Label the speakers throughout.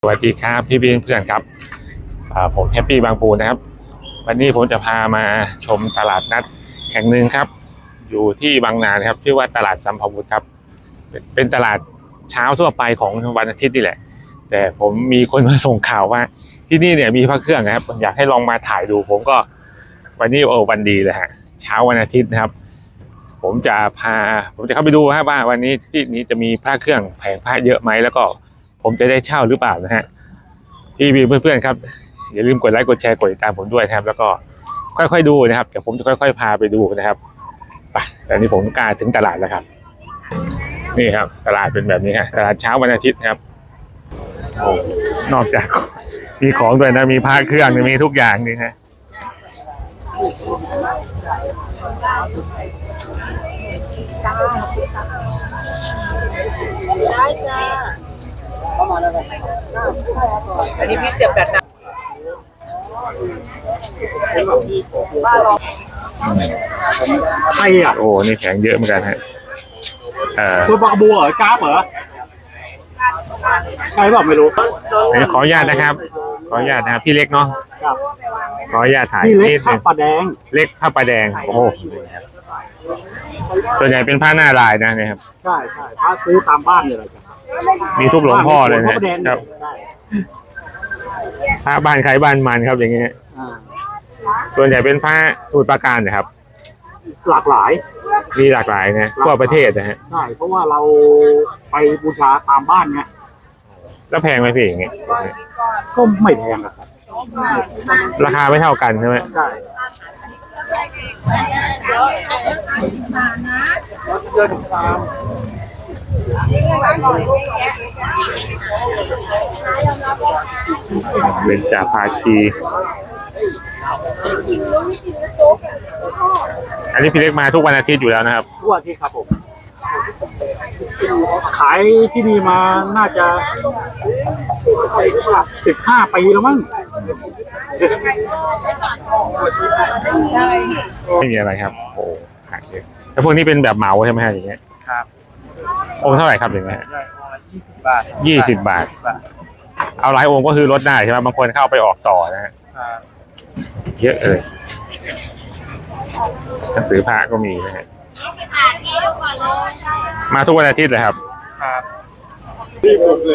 Speaker 1: สวัสดีครับพี่เพื่อนครับผมแฮปปี้บางปูนะครับวันนี้ผมจะพามาชมตลาดนัดแห่งหนึ่งครับอยู่ที่บางนาครับชื่อว่าตลาดสัมภาวุธครับเป็นตลาดเช้าทั่วไปของวันอาทิตย์นี่แหละแต่ผมมีคนมาส่งข่าวว่าที่นี่เนี่ยมีพระเครื่องนะครับอยากให้ลองมาถ่ายดูผมก็วันนี้วันดีเลยฮะเช้าวันอาทิตย์นะครับผมจะเข้าไปดูครับว่าวันนี้ที่นี้จะมีพระเครื่องแผงพระเยอะไหมแล้วก็ผมจะได้เช่าหรือเปล่านะฮะพี่เพื่อนๆครับอย่าลืมกดไลค์กดแชร์กดติดตามผมด้วยนะครับแล้วก็ค่อยๆดูนะครับเดี๋ยวผมจะค่อยๆพาไปดูนะครับไปแต่นี้ผมกล้าถึงตลาดแล้วครับนี่ครับตลาดเป็นแบบนี้ฮะตลาดเช้าวันอาทิตย์ครับนอกจากมีของด้วยนะมีพระเครื่องมีทุกอย่างนี่ฮะ
Speaker 2: ได้จ้าอันนี้พี่เสียบแบบไหน
Speaker 3: ใครอ่ะ
Speaker 1: โอ้นี่แข็งเยอะเหมือนกันฮะ
Speaker 3: ตัวปลากระบัวเหรอกราฟเหรอใครบอกไม่รู้
Speaker 1: ขออนุญาตนะครับขออนุญาตนะครับพี่เล็กเนาะขออนุญาตถ่าย
Speaker 3: นี่เล็กข้าวปลาแดง
Speaker 1: เล็กผ้าปลาแดงโอ้โหส่วนใหญ่เป็นผ้าหน้าลายนะเนี่ยครับ
Speaker 3: ใช่ถ้าซื้อตามบ้านเลยอะไรกัน
Speaker 1: มีทุกหลวงพ่อเลยนะครับผ้าบ้านใครบ้านมันครับอย่างเงี้ยส่วนใหญ่เป็นผ้าสูตรปราการนะครับ
Speaker 3: หลากหลาย
Speaker 1: มีหลากหลายนะทั่วประเทศนะฮะ
Speaker 3: ใช่เพราะว่าเราไปบูชาตามบ้านไง
Speaker 1: แล้วแพงไหมพี่อย่างเงี้ย
Speaker 3: ก็ไม่แพงครับ
Speaker 1: ราคาไม่เท่ากันใช่ไหม
Speaker 3: ใช่
Speaker 1: เป็นจ่าภาคีอันนี้พี่เล็กมาทุกวันอาทิตย์อยู่แล้วนะครับ
Speaker 3: ทุกวันอาทิตย์ครับผมขายที่นี่มาน่าจะ15 ปีแล้วมั้ง
Speaker 1: ไม่มีอะไรครับโอ้ขายเยอะแต่พวกนี้เป็นแบบเหมาใช่ไหมฮะอย่างเงี้ย
Speaker 3: ครับ
Speaker 1: องค์เท่าไหร่ครับอย่างเงี้ย20 บาทเอาหลายองค์ก็คือลดได้ใช่ไหมบางคนเข้าไปออกต่อนะฮะเยอะเลยหนังสือพระก็มีนะฮะมาทุกวันอาทิตย์เลยครับ
Speaker 3: ที่สุดเลย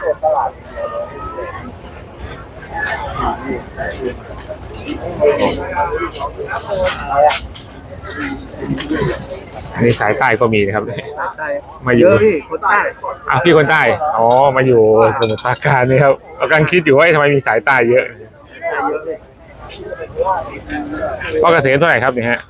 Speaker 1: อันนี้สายใต้ก็มีนะครับมาอยู่
Speaker 3: พี่คนใต้
Speaker 1: พี่คนใต้อ๋อมาอยู่สมุทรปราการนี่ครับเรากำลังคิดอยู่ว่าทำไมมีสายใต้เยอะก็เกษตรเท่าไหร่ครับเนี่ยฮะ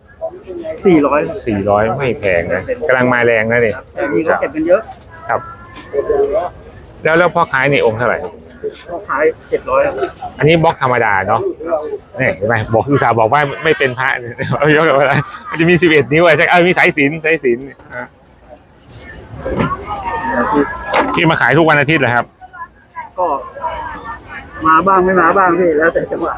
Speaker 1: 400ไม่แพงนะกำลังมาแรงนะเนี่ย
Speaker 3: มีก็เก็บกันเยอะ
Speaker 1: ครับแล้วพ่อขายในองค์เท่าไหร่
Speaker 3: พ่อขาย700
Speaker 1: อันนี้บล็อกธรรมดาเนาะนี่เห็นไหมบอกอุตส่าห์บอกว่าไม่เป็นพระเอาเยอะกว่าอะไรมันจะมี11 นิ้วใช่มีสายสิญจน์ที่มาขายทุกวันอาทิตย์เหรอครับ
Speaker 3: ก็มาบ้างไม่มาบ้างพี่แล้วแต่จังหวะ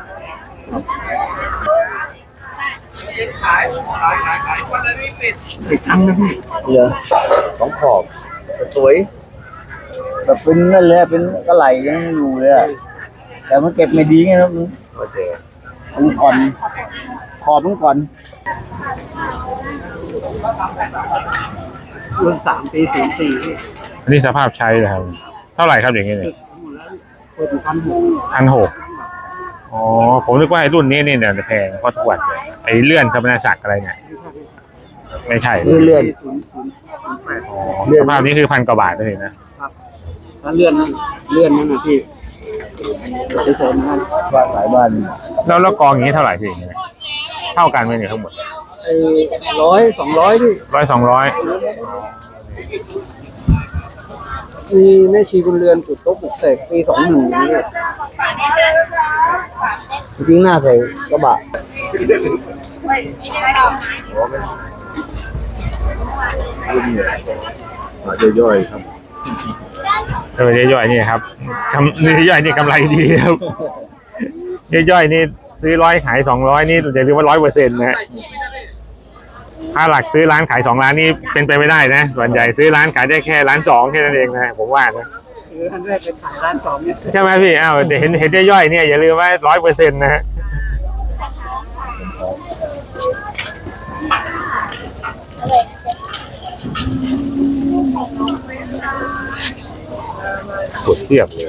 Speaker 3: ติดตั้งนะพี่
Speaker 2: เหรอของขอบสวยแบบเป็นนั่นแหละเป็นกระไหลยังอยู่เลยอะแต่มันเก็บไม่ดีไงนะมันก่อนขอบมันก่อน
Speaker 3: รุ่น3 ปี 4 ปี
Speaker 1: อันนี้สภาพใช้เลยครับเท่าไหร่ครับอย่างเงี้ยเนี่ย1,600อ๋อผมนึกว่าไอ้รุ่นนี้เนี่ยแพงเพราะทุกวันไอ้เลื่อนสมณศักดิ์อะไรเนี่ยไม่ใช่
Speaker 2: เลื่อน
Speaker 1: สภาพนี้คือ1,000 กว่าบาทเลย
Speaker 3: นะครับถ้าเลื่อนนั่นนะพี่ไปเสริมนั่น
Speaker 2: บ้านหลายบ้าน
Speaker 1: แล้วกองอย่างนี้เท่าไหร่พี่เท่ากันไหมเนี่ยทั้งหมด
Speaker 3: 100 200พี่
Speaker 1: 100 200
Speaker 3: มีแม่ชีบุญเรือนจุดโต๊ะปลุกเสกปี21นี่
Speaker 2: จริงหน้าใส่กระบะ
Speaker 3: ย่อยๆครับ
Speaker 1: ย่อยๆนี่ครับย่อยๆนี่กำไรดีครับย่อยๆนี่ซื้อ100ขาย200นี่จะเรียกว่า100%นะถ้าหลักซื้อร้านขาย2 ล้านนี่เป็นไปไม่ได้นะส่วนใหญ่ซื้อร้านขายได้แค่1.2 ล้านแค่นั้นเองนะผมว่านะ
Speaker 3: อันแรกเป็นขายร้านสองเนี่ย
Speaker 1: ใช่ไหมพี่อ้าวเห็นย่อยๆเนี่ยอย่าลืมว่า100%นะฮะกดเทียบเลย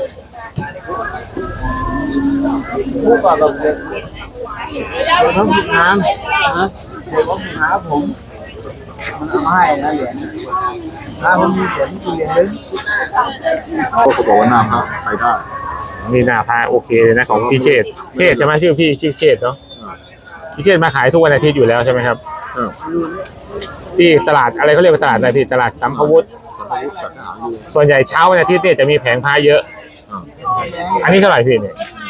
Speaker 2: พูดก่อนเราเด็กต้องฝึกงานนะเด็กต้องฝึกงานผมมันเอาให้นะเหรียญถ้ามันมีเหรียญที่เหรียญนึงเขาบอกว่าน้ำครับไปได้
Speaker 1: นี่หน้าพาโอเคเลยนะของพี่เชษฐ์ใช่ไหมชื่อพี่ชื่อเชษฐ์เนาะพี่เชษฐ์มาขายทุกวันอาทิตย์อยู่แล้วใช่ไหมครับที่ตลาดอะไรเขาเรียกว่าตลาดอะไรพี่ตลาดสัมภวุฒิส่วนใหญ่เช้าวันอาทิตย์เนี่ยจะมีแผงพาเยอะอันนี้เท่าไหร่พี่เนี่ย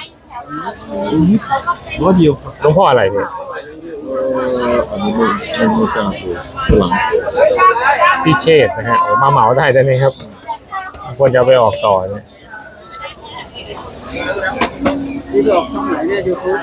Speaker 3: ร้อยเดียว
Speaker 1: หลวงพ่ออะไรพี่
Speaker 2: อันนี้ไม่กล้าพูดหลัง
Speaker 1: พี่เชษฐ์นะฮะมาเหมาได้ไหมครับควรจะเอาไปออกต่อเนี่ย
Speaker 3: ที่หลอกช่องไหนเนี่ยยูทูบ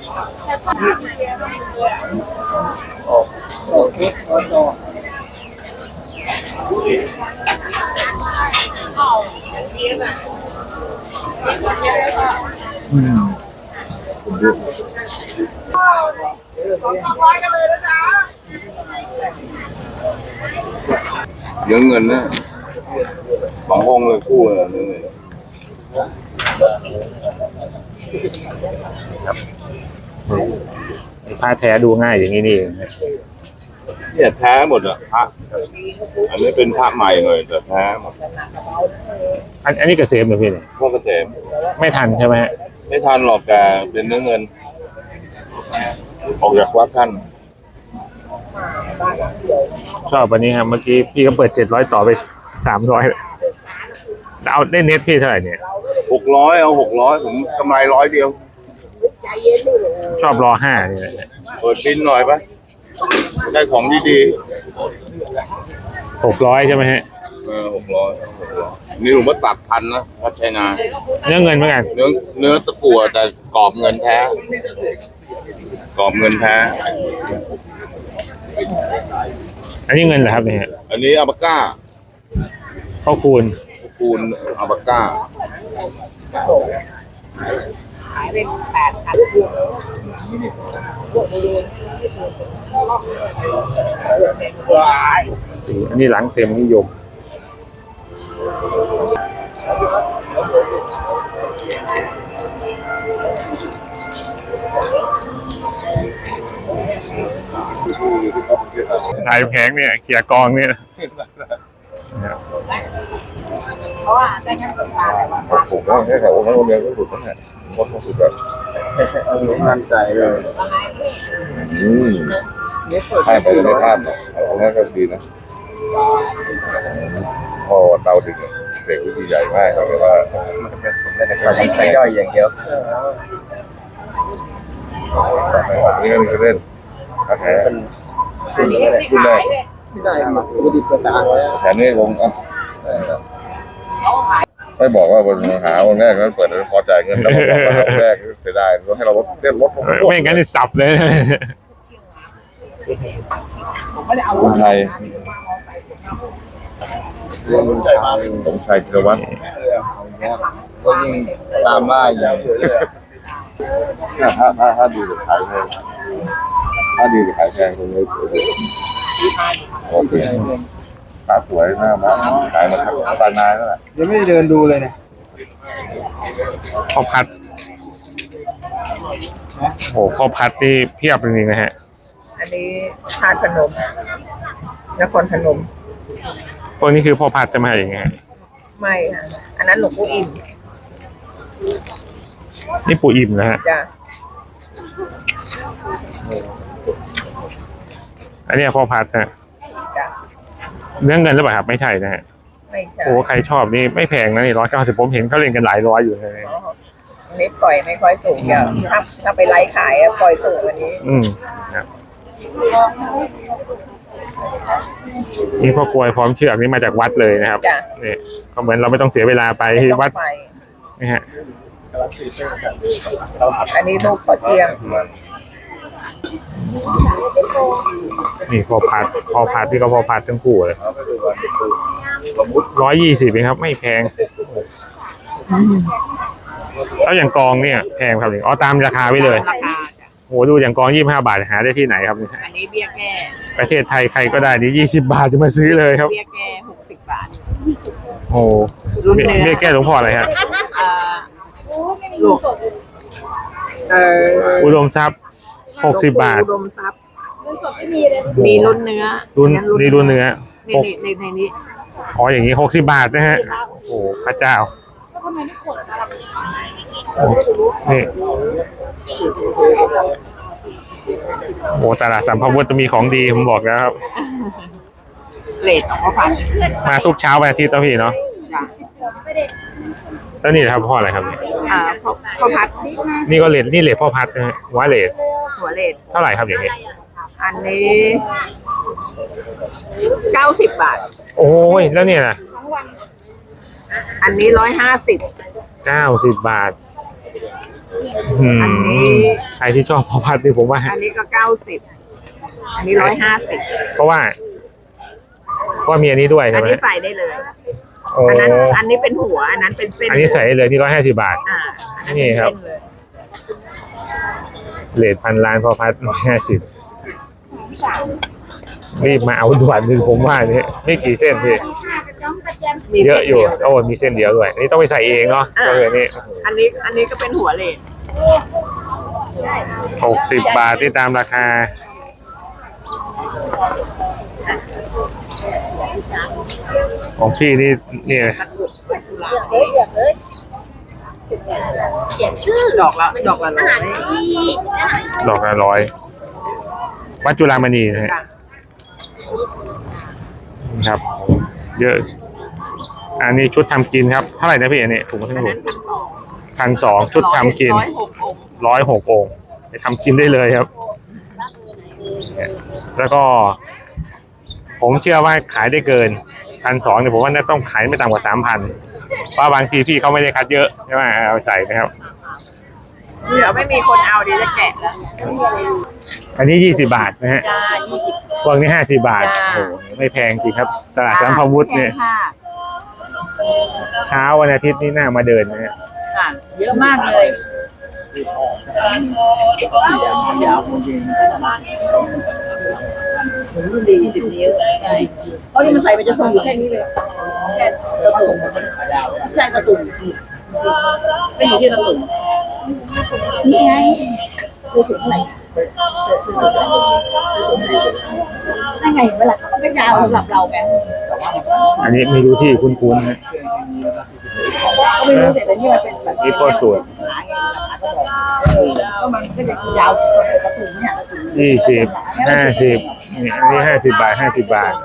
Speaker 4: เยอะเงินนะสององค์เลยคู่เลยนี่
Speaker 1: ผ้าแท้ดูง่ายอย่างนี้นี่เองนะ
Speaker 4: เนี่ยแท้หมดอ่ะพระอันนี้เป็นพระใหม่หน่อยแต่แท้หมด
Speaker 1: อันนี้เกษมเหรอพี่เนี่ย
Speaker 4: พ่อเกษม
Speaker 1: ไม่ทันใช่ไหมฮะ
Speaker 4: ไม่ทันหรอกแต่เป็นเนื้อเงิน ออกจากวัดท่าน
Speaker 1: ชอบวันนี้ครับเมื่อกี้พี่ก็เปิด700ต่อไป300เอาได้เน็ตพี่เท่าไหร่เนี่ย
Speaker 4: 600เอา600ผมกำไร100เดียว
Speaker 1: ชอบรอ5นี่แหละ
Speaker 4: เปิดบินหน่อยปะได้ของดี
Speaker 1: 600ใช่ไหมฮะ
Speaker 4: ๆ600นี่ผมว่าตัดพันนะวัดชัยนา
Speaker 1: เนื้อเงินเหมือนกัน
Speaker 4: เนื้อตะกั่วแต่กรอบเงินแท้กรอบเงินแท้
Speaker 1: อันนี้เงินเหรอครับเนี่ย
Speaker 4: อันนี้อัลปาก้า
Speaker 1: พ่อคูณ
Speaker 4: คูณอัลปาก้า
Speaker 1: อันนี้หลังเต็มนิยมถ่ายแผงเนี่ยเขี่ยกองเนี่ย
Speaker 4: ผมว่าแค่เขาองค์เดียวก็สุดแล้วเนี่ยวัดก็สุดแบบมั่นใจเลยให้ไปในภาพเอาแค่ก็ดีนะพอเตาถึงเสกวิธีใหญ่มากเลยว่า
Speaker 2: ใช้ย่อยอย่างเดียว
Speaker 4: ไม่ออกนี่ก็มีเล่นถ้าแผลขึ้นแรก
Speaker 2: ไม่ได้มาปกติประสา
Speaker 4: แผลนี่ลงอ่ะไม่บอกว่าวันหาวันแรกแล้วเปิดพอจ่ายเงินแล้วบอกว่าวันแรกเสียดายให้เราลดเล่นลด
Speaker 1: ไม่งั้นจะสับเลย
Speaker 4: คนไทยผมชัยธีรวัตร
Speaker 2: ก็ยิ่งตามมาอย่าง
Speaker 4: ถ้าดีกับขายแพงถ้าดีกับขายแพงตรงนี้โอเคตาสวยหน้ามาขายมาทั้งตานายแล้วแหละ
Speaker 2: ยังไม่ได้เดินดูเลยเนี่ย
Speaker 1: ข้าวผัดโอ้ข้าวผัดนี่เพียบจริงๆนะฮะ
Speaker 5: อันนี้ทานพนมนครพนม
Speaker 1: พวกนี้คือพ่อผัดจะมาอย่างไง
Speaker 5: ไม่ค่ะอันนั้นหลวงปู่อิ่ม
Speaker 1: นี่ปู่อิ่มนะฮะ
Speaker 5: จ้ะ
Speaker 1: อันนี้พ่อผัดนะ
Speaker 5: จ้ะ
Speaker 1: เนื้อเงินหรือเปล่าครับไม่ใช่นะฮะ
Speaker 5: ไม่ใช่
Speaker 1: โอ้ใครชอบนี่ไม่แพงนะนี่190ผมเห็นเขาเล่นกันหลายร้อยอยู่เลย
Speaker 5: อันนี้ปล่อยไม่ค่อยสูงเดี๋ยวถ้าไปไลฟ์ขายอะปล่อยสูงกว่านี้
Speaker 1: ครับนี่พ่อกลวยพร้อมเชือกนี่มาจากวัดเลยนะครับ
Speaker 5: จ้ะ
Speaker 1: นี่ก็เหมือนเราไม่ต้องเสียเวลาไปที่
Speaker 5: ต้อง
Speaker 1: วัด
Speaker 5: ไป
Speaker 1: นี่ฮะ
Speaker 5: อันนี้ลูกพ่อเจียม
Speaker 1: นี่พ่อผัดที่ก็พ่อผัดทั้งคู่เลย120เองครับไม่แพงแล้วอย่างกองเนี่ยแพงครับอ๋อตามราคาไว้เลย
Speaker 5: ราคาจ้ะ
Speaker 1: โหดูอย่างกอง25 บาทหาได้ที่ไหนครับเนี่ย
Speaker 5: อันนี้เบี้ยแก้
Speaker 1: ประเทศไทยใครก็ได้นี่20 บาทจะมาซื้อเลยครับ
Speaker 5: เบี้ยแก้60 บาท
Speaker 1: โอ้
Speaker 5: รุ่นเนื้อ
Speaker 1: เรียกแก้หลวงพ่ออะไรฮะ
Speaker 5: หลวง
Speaker 1: อุดมทรัพย์60 บาท
Speaker 5: อุดมทรัพย์มีรุ่นเนื้อ
Speaker 1: รุ่นนี่รุ่นเนื้อ
Speaker 5: นี่ในนี้
Speaker 1: อ๋ออย่างนี้60 บาทนะฮะโอ้พระเจ้านี่โอ้ตลาดสัมภาวุธจะมีของดีผมบอกแล้วครับ
Speaker 5: เลทของเขาพัน
Speaker 1: มาทุกเช้าวันอาทิตย์นะพี่เนาะ
Speaker 5: จ้ะ
Speaker 1: แล้วนี่นะครับพ่ออะไรครับ
Speaker 5: ข้าวพัด
Speaker 1: นี่ก็เลดนี่เลดพ่อพัดนะฮะหัวเลด
Speaker 5: หัวเลท
Speaker 1: เท่าไหร่ครับอย่างนี้
Speaker 5: อันนี้90 บาท
Speaker 1: โอ้ยแล้วเนี่ยนะ
Speaker 5: อันนี้150
Speaker 1: 90 บาทอืม
Speaker 5: อันนี้
Speaker 1: ใครที่ชอบพ่อพัดนี่ผมว่า
Speaker 5: อันนี้ก็90อันนี้150
Speaker 1: เพราะว่ามีอันนี้ด้วย
Speaker 5: อั
Speaker 1: ใช่
Speaker 5: น
Speaker 1: ไหม
Speaker 5: นี้ใส่ได้เลย
Speaker 1: โอ้
Speaker 5: อันนี้เป็นหัว อันนั้นเป็นเส้น
Speaker 1: อันนี้ใส่ได้เลยที่150 บาท
Speaker 5: อันนั้น
Speaker 1: นี่
Speaker 5: เป็น
Speaker 1: ครับ
Speaker 5: เส้นเลย
Speaker 1: เลทพันล้านพ่อพัด150รีบมาเอาด่วนคือผมว่านี่ไม่กี่เส้นพี่
Speaker 5: มี
Speaker 1: เย
Speaker 5: ส้
Speaker 1: อะ
Speaker 5: น
Speaker 1: อยู่
Speaker 5: ดีว
Speaker 1: โอ้มีเส้นเดียวด้วยอันนี้ต้องไปใส่เองเนาะก็เลยนี่
Speaker 5: อันนี้ก็เป็นหัวเลท
Speaker 1: 60 บาทที่ตามราคาของพี่นี่เนี่ย
Speaker 5: เขียนชื่อดอกละ100
Speaker 1: ดอกละ100วัดจุฬามณีนะฮะ
Speaker 5: จ้ะ
Speaker 1: ครับ เยอะ อันนี้ชุดทำกินครับเท่าไหร่นะพี่อันนี้ถุง
Speaker 5: อั
Speaker 1: ทั้
Speaker 5: น
Speaker 1: งหม
Speaker 5: นั้
Speaker 1: ด
Speaker 5: น
Speaker 1: 1,200ชุดทำกิน
Speaker 5: 106 องค์
Speaker 1: 106 องค์ไปทำกินได้เลยครับ แล้วก็ ผมเชื่อว่าขายได้เกิน1,200เนี่ยผมว่าน่าต้องขายไม่ต่ำกว่า 3,000เพราะบางทีพี่เขาไม่ได้คัดเยอะใช่ไหมเอาไปใส่นะครับ
Speaker 5: เดี๋ยวไม่มีคนเอาดีจะแกะแล้ว
Speaker 1: อันนี้20 บาทนะฮะ
Speaker 5: จ้า20
Speaker 1: พวกนี้50 บาท
Speaker 5: จ้า
Speaker 1: โอ้โหไม่แพงจริงครับ ตลาดสัมภาวุธเนี่ย
Speaker 5: ค่ะ
Speaker 1: เช้าวันอาทิตย์นี่น่ามาเดินนะฮะ
Speaker 5: ค่ะ เยอะมากเลย 40 นิ้วใช่เพราะนี่มันใส่มันจะทรงอยู่แค่นี้เลยแค่ตะตุ่มใช่ตะตุ่มก็อยู่ที่ตะตุ่มนี่ไงคือสูงเท่าไหร่นั่นไงเวลาเขาก็ยาวสำหรับเราไง
Speaker 1: อันนี้ไม่รู้ที่คุ้นๆนะ
Speaker 5: ก็ไม่รู้แต่นี่มันเป็นแบบ
Speaker 1: นี่โคตรสวย
Speaker 5: ก็มันก็จะยาวกระถุงเนี่ย
Speaker 1: 20 50นี่อันนี้50 บาท 50 บาท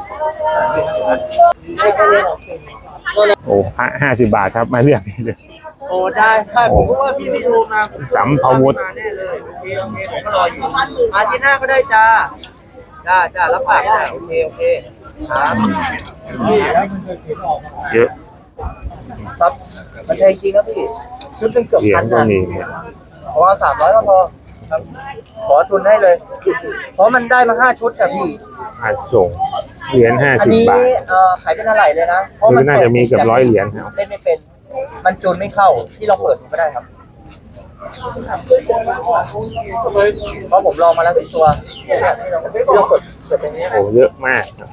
Speaker 1: โอ้50 บาทครับมาเลือกนี่เลย
Speaker 3: โอ้ได้ผมก็ว่าพี่ไม่โทรมา
Speaker 1: สัมภาวุธ
Speaker 3: มาแน่เลยโอเคผมก็รออยู่อาทิตย์หน้าก็ได้จ้ารับปากได้โอเคครับ
Speaker 1: เยอะ
Speaker 3: ครับมันแพงจริงครับพี่ชุดหนึงเกือบ
Speaker 1: เหรีย
Speaker 3: พั
Speaker 1: ญ
Speaker 3: น
Speaker 1: ก็
Speaker 3: นะ
Speaker 1: มีเนี่ย
Speaker 3: เพราะว่า300ก็พอครับขอทุนให้เลย เพราะมันได้มา5ชุดอะพี่
Speaker 1: อาจส่งเหรียญ
Speaker 3: อันนี้
Speaker 1: 50 บาท
Speaker 3: ขายเป็นอะไรเลยนะ
Speaker 1: หรือน่าจะมีเกือบ100 เหรียญครับ
Speaker 3: เล่นไม่เป็น มันจูนไม่เข้าที่เราเปิดดูก็ได้ครับเพราะผมลองมาแล้วทุกตัวเนี่ยที่เราเปิดตรงนี้
Speaker 1: โอ้เยอะมากครับ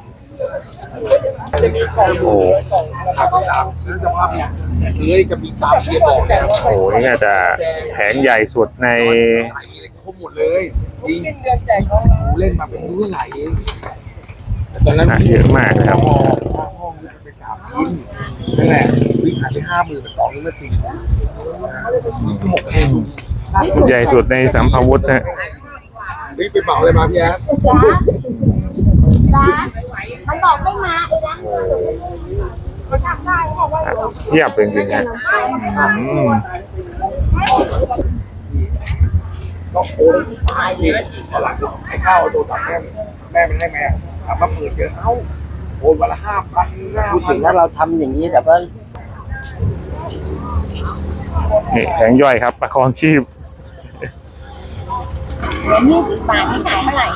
Speaker 1: โอ้
Speaker 3: ซื้อสภาพเนี่ยจะมีตามเชียร์บอกเนี่ย
Speaker 1: โหนี่น่าจะแผงใหญ่สุดใน
Speaker 6: ไหลเลยครบหมดเลยจริงกูเล่นมาเป็นมื้อไหลแต่ตอนนั้น
Speaker 1: เยอะมากนะครับ
Speaker 6: พ่อไป3 ชิ้นนั่นแหละวิ่งขายไป50,000เป็น2นึงมา4หมกเอง
Speaker 1: ใหญ่สุดในสัมภาวุธนะ
Speaker 6: วิ่งไปเหมาเลยมาพี่แอ๊ด
Speaker 7: ร้านมันบอกไม่มาเองนะ
Speaker 1: เทียบเป็นจริงๆนะอืม
Speaker 6: ก็โอนตายเลยตอนหลังให้ข้าวโดนตัดแม่มันให้แม่ถามว่าเปิดเยอะเอ้าโอนวันละ5,000
Speaker 2: พูดถึงถ้าเราทำอย่างนี้แต่ว่า
Speaker 1: นี่แผงย่อยครับประคองชีพ
Speaker 7: 20 บาทที่ขายเท่าไหร่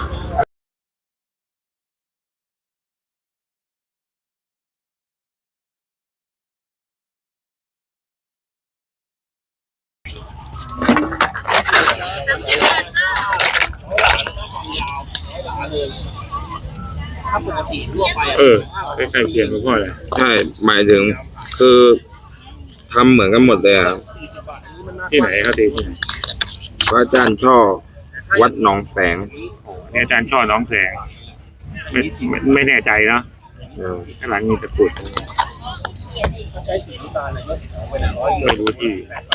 Speaker 1: ใกล้ๆเคียงกับพ่อเลย
Speaker 8: ใช่หมายถึงคือทำเหมือนกันหมดเลยอ่ะ
Speaker 1: ที่ไหนครับตีที่ไหน
Speaker 8: พระอาจารย์ช่อวัดหนองแสง
Speaker 1: เนี่ยอาจารย์ช่อน้องแสงไม่แน่ใจเนาะข้างหลังมีตะกรุดไม่รู้ที่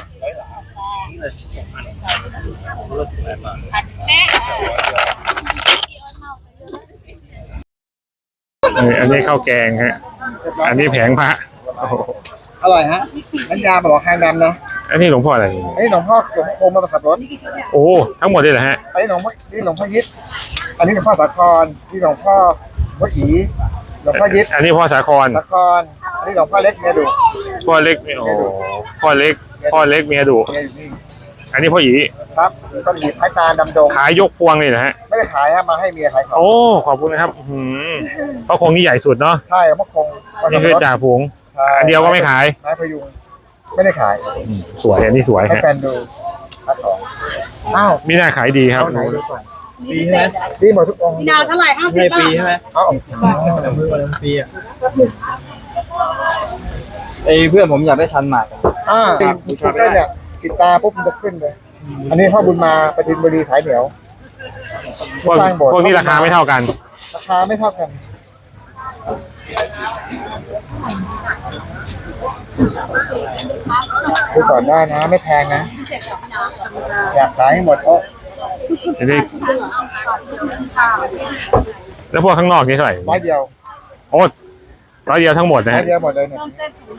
Speaker 1: อันนี้ข้าวแกงฮะอันนี้แผงพระโอ้โห
Speaker 6: อร่อยฮะน้ำยาบอกแห้งดำนะ
Speaker 1: อันนี้หลวงพ่ออะไร
Speaker 6: ไอ้หลวงพ่อโคมมาขับรถ
Speaker 1: โอ้ทั้งหมดเลยเหรอฮะ
Speaker 6: ไอ้หลวงพ่อนี่หลวงพ่อยิดอันนี้หลวงพ่อสาครนี่หลวงพ่อวัดอีหลวงพ่อยิด
Speaker 1: อันนี้พ่อสาคร
Speaker 6: สาครอันนี้หลวงพ่อเล็กเมียดุ
Speaker 1: พ่อเล็กโอ้พ่อเล็กเมียดุ
Speaker 6: เมียอยู่นี่
Speaker 1: อันนี้พ่อหยี
Speaker 6: ครับก็หยิบไม้ตาดำดง
Speaker 1: ขายยกพวงเลยนะฮะ
Speaker 6: ไม่ได้ขายฮะมาให้เมียขายของ
Speaker 1: โอ้ขอบคุณนะครับเพราะคงนี่ใหญ่สุดเนาะ
Speaker 6: ใช่มะคง
Speaker 1: นี่คือจ่าฝูงอันเดียวก็ไม่ขาย
Speaker 6: ไม้พยุงไม่ได้ขาย
Speaker 1: สวยอันนี้สวย
Speaker 6: ให้
Speaker 1: ฮะ
Speaker 6: แฟนดูขายของอ้าว
Speaker 1: มีหน้าขายดีครับ
Speaker 6: เอาไหนดูก่อนดีใช่ไหมดีหมดทุกองค์
Speaker 5: พี่ดาวเท่าไหร่50 บาท
Speaker 6: เอาออกมือวันปีอ่ะเพื่อนผมอยากได้ชันหมากติดได้เนี่ยติดตาปุ๊บมันจะขึ้นเลย อันนี้พ่อบุญมาประจินบุรีขายเหนียว
Speaker 1: พวกนี้ราคาไม่เท่ากัน
Speaker 6: ราคาไม่เท่ากันดูก่อนได้นะไม่แพงนะอยากขายให้หมดเพราะ
Speaker 1: จะได้แล้วพวกข้างนอกนี่เท่าไหร่
Speaker 6: ร้อยเดียว
Speaker 1: โอ้ร้อยเดียวทั้งหมดนะ
Speaker 6: ร้อ
Speaker 1: ฮะ
Speaker 6: ยเดียวหมดเลยเนี่ย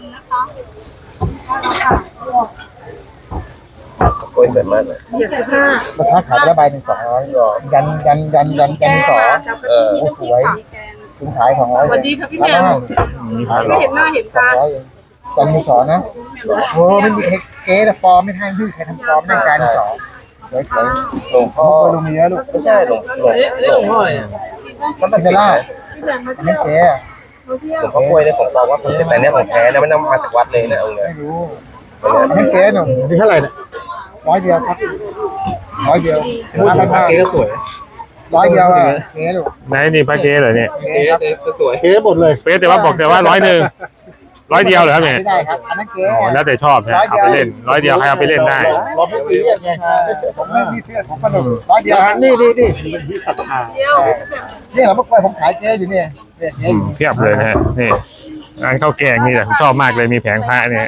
Speaker 6: โอ้ยเสร็จมากเลยราคาขายได้ใบหนึ่ง200ยันต่อโอ้สวยคุณขาย200
Speaker 5: สวัสดีค่ะพี่แมว
Speaker 6: ไม่เห็นหน้าเห็นตาจันมีสอนนะโอ้ไม่มีเก๊แต่ฟอร์มไม่ทันที่ใครทำฟอร์มในการสอนสวยหลวงพ่อลุงมีแล้วลูกไม่ใช่หลวงพ่อเนี่ยมันเป็นเซล่าอันนี้เก๊หลวงพ่อกล้วยเนี่ยของเราว่าเป็นแต่เนี่ยของแท้นะไม่นำมาจากวัดเลยนะเอาเลยไม่รู้อันนี้เก๊หนุ่มนี่เท่าไหร่เนี่ย100 เดียวครับ100 เดียวเก๊ก็สวย100 เดียวเก๊ลูก
Speaker 1: ไหนนี่พระเก๊เหรอเนี่ย
Speaker 6: เก๊ครับสวย
Speaker 2: เก๊หมดเลย
Speaker 1: เป๊ะแต่ว่าบอกแต่ว่า100เดียวเหรอครับเนี่ย
Speaker 6: ไม่ได้ครับอันนั้นเก๊
Speaker 1: อ๋อแล้วแต่ชอบนะเอาไปเล่น100เดียวใครเอาไปเล่นได้
Speaker 6: เราไม่ซีเรียสไงผมไม่มีเพื่อนผมสนุก100 เดียวนี่เป็นที่ศรัทธานี่เราเมื่อก่อนผมขายเก๊อยู่เนี่ย
Speaker 1: เพียบเลยนะฮะนี่ร้านข้าวแกงนี่แหละผมชอบมากเลยมีแผงพระเนี่ย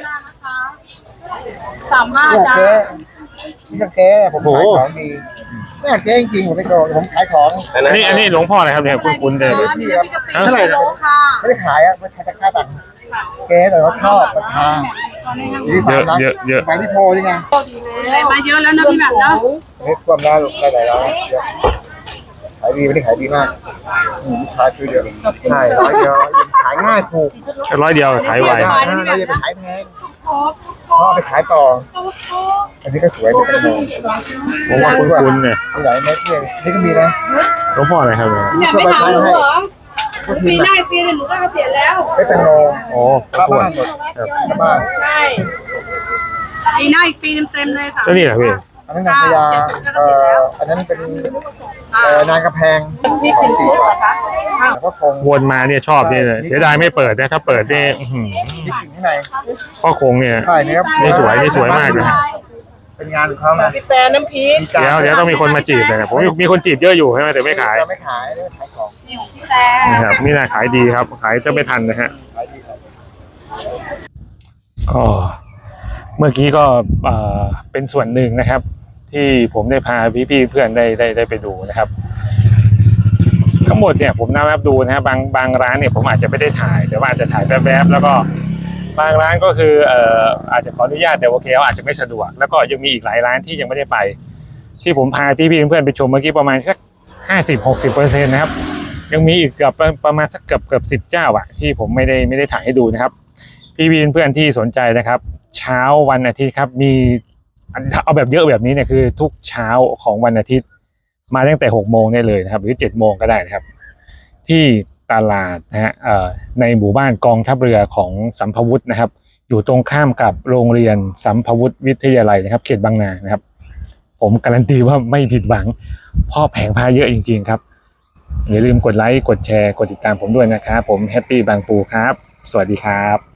Speaker 5: 35 จ้า
Speaker 6: เก๊นี่ก็เก๊ผมขายของดีนี่เก๊จริงๆผมไม่โกงผมขายของ
Speaker 1: อันนี้หลวงพ่ออะไรครับเนี่ยคุณเลย
Speaker 6: ที่ครับ
Speaker 1: เท่าไหร่นะ
Speaker 6: ไม่ได้ขายอ่ะไม่ขายราคาต่างเก๊แต่ว่าชอบราคา
Speaker 1: เยอะ
Speaker 6: ไปที่โพนี่ไง
Speaker 5: มาเยอะแล้วนะพี่แบบเนาะ
Speaker 6: เล็กความน่าลูกได้หลายร้านขายดีไม่ได้ขายดีมากลูกค้าช่วยเดียวใช่100 เดียวขายง่ายถูก
Speaker 1: 100เดียวขายไว
Speaker 6: เราอย่าไปขายแพงพ่อไปขายต่อ อันนี้ก็สวยเหมือนกันเลย
Speaker 1: ผมว่าคุณเนี่ย
Speaker 6: มีหลายเม็ดเนี่ยนี่ก็มีนะ
Speaker 1: หลวงพ่ออะไรครับเนี่ย
Speaker 5: เนี่ยไม่ถามหนูเหรอปีหน้าปีนึงหนูก็เกษียณแล้ว
Speaker 6: ไม่แตงโม
Speaker 1: โอ้
Speaker 6: บ้าบ้านหมดบ้าน
Speaker 5: ใช่ปีหน้าอีกปีเต็มๆเลยค่ะ
Speaker 1: ก็นี่แหละพี่
Speaker 6: อันนั้นนางพญาอันนั้นเป็นนางกระแพง
Speaker 5: พี่เป็นชุดเหรอคะ
Speaker 6: แล้วก็คง
Speaker 1: วนมาเนี่ยชอบเนี่ยเสียดายไม่เปิดนะถ้าเปิดเนี่ย
Speaker 6: มีกิ่งข้างใน
Speaker 1: พ่อคงเนี่ย
Speaker 6: ใช่เนี่ย
Speaker 1: นี่สวยมากเลย
Speaker 6: เป็นงานของเขานะ
Speaker 5: พี่แต่น้ำพริก
Speaker 1: เดี๋ยวต้องมีคนมาจีบเลยนะผมมีคนจีบเยอะอยู่ใช่ไหมแต่ไม่ขาย
Speaker 6: ไม่ขายไม่ขายของ
Speaker 5: นี่ของพี่แต่
Speaker 1: นะครับนี่นะขายดีครับ ขายจะไม่ทันนะฮะ
Speaker 6: ขายดีครับ
Speaker 1: ก็เมื่อกี้ก็เป็นส่วนหนึ่งนะครับ ที่ผมได้พาพี่ๆเพื่อนได้ไปดูนะครับ ทั้งหมดเนี่ยผมนับดูนะฮะบางร้านเนี่ยผมอาจจะไม่ได้ถ่ายแต่ว่าอาจจะถ่ายแวบๆแล้วก็บางร้านก็คืออาจจะขออนุญาตแต่โอเคอาจจะไม่สะดวกแล้วก็ยังมีอีกหลายร้านที่ยังไม่ได้ไป ที่ผมพาพี่ๆเพื่อนไปชมเมื่อกี้ประมาณสัก50-60%นะครับยังมีอีกเกือบประมาณสักเกือบ10 เจ้าอะที่ผมไม่ได้ถ่ายให้ดูนะครับพี่ๆเพื่อนที่สนใจนะครับเช้าวันอาทิตย์ครับมีเอาแบบเยอะแบบนี้เนี่ยคือทุกเช้าของวันอาทิตย์มาตั้งแต่6 โมงได้เลยนะครับหรือ7 โมงก็ได้นะครับที่ตลาดนะฮะในหมู่บ้านกองทัพเรือของสัมภวุฒินะครับอยู่ตรงข้ามกับโรงเรียนสัมภวุฒิวิทยาลัยนะครับเขตบางนานะครับผมการันตีว่าไม่ผิดหวังเพ่อแผงพาเยอะจริงๆครับอย่าลืมกดไลค์กดแชร์กดติดตามผมด้วยนะครับผมแฮปปี้บางปูครับสวัสดีครับ